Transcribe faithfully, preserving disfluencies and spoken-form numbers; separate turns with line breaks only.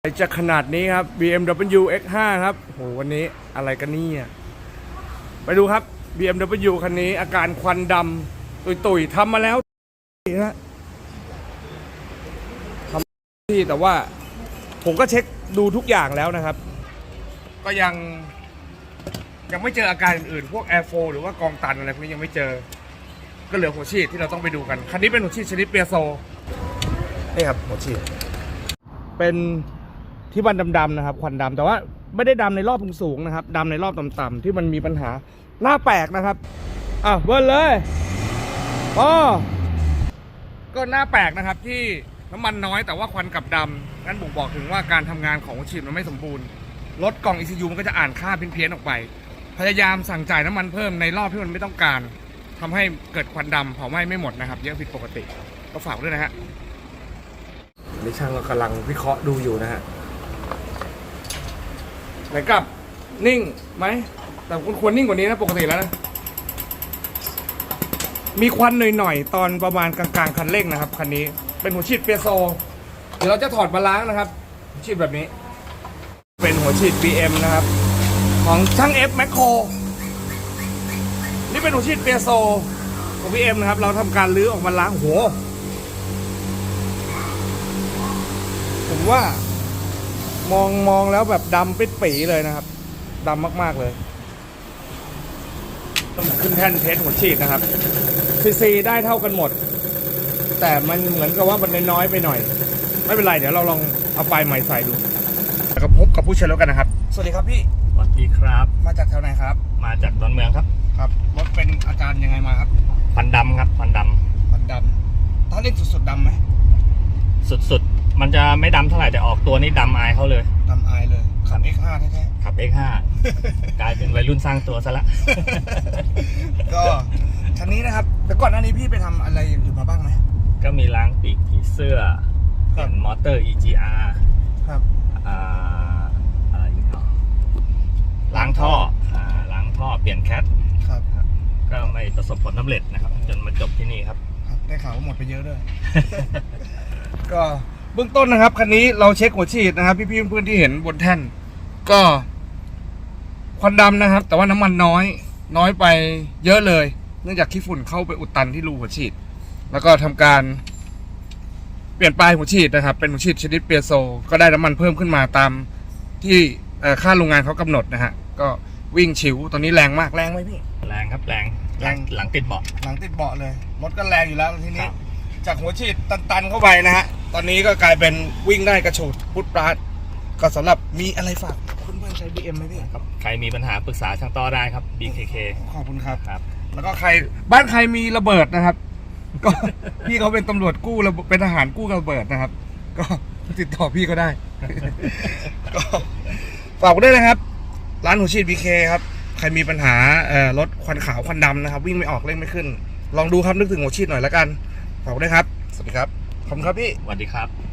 จะขนาดนี้ครับ บี เอ็ม ดับเบิลยู เอ็กซ์ ห้า ครับโหวันนี้อะไรกันนี่ไปดูครับ บี เอ็ม ดับเบิลยู คันนี้อาการควันดำตุยๆทำมาแล้วนะทำที่แต่ว่าผมก็เช็คดูทุกอย่างแล้วนะครับก็ยังยังไม่เจออาการอื่นๆพวกแอร์โฟหรือว่ากองตันอะไรพวกนี้ยังไม่เจอก็เหลือหัวฉีดที่เราต้องไปดูกันคันนี้เป็นหัวฉีดชนิดเปียโซนี่ครับหัวฉีดเป็นที่มันดำๆนะครับควันดำแต่ว่าไม่ได้ดำในรอบสูงๆนะครับดำในรอบต่ำๆที่มันมีปัญหาหน้าแปลกนะครับอ่ะเบิ้ลเลยอ๋อก็หน้าแปลกนะครับที่น้ำมันน้อยแต่ว่าควันกลับดำงั้นบ่งบอกถึงว่าการทำงานของหัวฉีดมันไม่สมบูรณ์รถกล่อง อี ซี ยู มันก็จะอ่านค่าเพี้ยนๆออกไปพยายามสั่งจ่ายน้ำมันเพิ่มในรอบที่มันไม่ต้องการทำให้เกิดควันดำเผาไหม้ไม่หมดนะครับเยอะผิดปกติก็ฝากด้วยนะฮะนี่ช่างก็กำลังวิเคราะห์ดูอยู่นะฮะไหนกลับนิ่งไหมแต่คุณควรนิ่งกว่านี้นะปกติแล้วนะมีควันหน่อยๆตอนประมาณกลางๆคันเร่งนะครับคันนี้เป็นหัวฉีดเปียโซเดี๋ยวเราจะถอดมาล้างนะครับหัวฉีดแบบนี้เป็นหัวฉีด บี เอ็ม นะครับของช่าง F Macro นี่เป็นหัวฉีดเปียโซของ บี เอ็ม นะครับเราทำการลื้อออกมาล้างหัวผมว่ามองมองแล้วแบบดำปิดปีเลยนะครับดำมากๆเลยต้องขึ้นแท่นเทสหัวฉีดนะครับซีซีได้เท่ากันหมดแต่มันเหมือนกับว่ามันน้อยไปหน่อยไม่เป็นไรเดี๋ยวเราลองเอาปลายใหม่ใส่ดูแล้วก็พบกับผู้ใช้รถกันนะครับสวัสดีครับพี่
สวัสดีครับ
มาจากแถวไหนครับ
มาจากดอนเมืองครับ
ครับรถเป็นอาการยังไงมาครับ
ควันดำครับควันดำ
ควันดำถ้าเล่นสุดๆดำไหม
สุดๆมันจะไม่ดำเท่าไหร่แต่ออกตัวนี่ดำอายเขาเลย
ดำอายเลยขับ เอ็กซ์ ห้า แท้
ๆขับ เอ็กซ์ ห้า กลายเป็นวัยรุ่นสร้างตัวซะละ
ก็คันนี้นะครับแต่ก่อนหน้านี้พี่ไปทำอะไรอย่างอื่นมาบ้างไหม
ก็มีล้างปีกผีเสื้อเปลี่ยนมอเตอร์ อี จี อาร์
ครับ
อ่าอะไรอีกเนาะล้างท่ออ่าล้างท่อเปลี่ยนแคท
ครับ
ก็ไม่ประสบผลสำเร็จนะครับจนมาจบที่นี่ครับ
ได้ข่าวว่าหมดไปเยอะด้วย ก็เบื้องต้นนะครับคันนี้เราเช็คหัวฉีดนะครับพี่ๆเพื่อนๆที่เห็นบนแท่นก็ควันดำนะครับแต่ว่าน้ำมันน้อยน้อยไปเยอะเลยเนื่องจากขี้ฝุ่นเข้าไปอุดตันที่รูหัวฉีดแล้วก็ทำการเปลี่ยนปลายหัวฉีดนะครับเป็นหัวฉีดชนิดเปียโซก็ได้น้ำมันเพิ่มขึ้นมาตามที่ค่าโรงงานเขากำหนดนะฮะก็วิ่งฉิวตอนนี้แรงมากแรงไหมพี่
แรงครับแรงแรงหลังติดเบาะ
หลังติดเบาะเลยรถก็แรงอยู่แล้วทีนี้จากหัวฉีดตันๆเข้าไปนะฮะตอนนี้ก็กลายเป็นวิ่งได้กระโฉดพุทธปราดก็สำหรับมีอะไรฝากเพื่อนๆใช้ บี เอ็ม ไหมพี่
ครับใครมีปัญหาปรึกษาช่างต้อได้ครับ บี เค เค
ขอบคุณครับ
ครับ
แล้วก็ใครบ้านใครมีระเบิดนะครับก็พี่เขาเป็นตำรวจกู้เป็นทหารกู้ระเบิดนะครับก็ติดต่อพี่ก็ได้ก็ฝากด้วยนะครับร้านหัวฉีด บี เค ครับใครมีปัญหารถควันขาวควันดำนะครับวิ่งไม่ออกเร่งไม่ขึ้นลองดูครับนึกถึงหัวฉีดหน่อยแล้วกันฝากด้วยครับสวัสดีครับขอบคุณครับพี่
สวัสดีครับ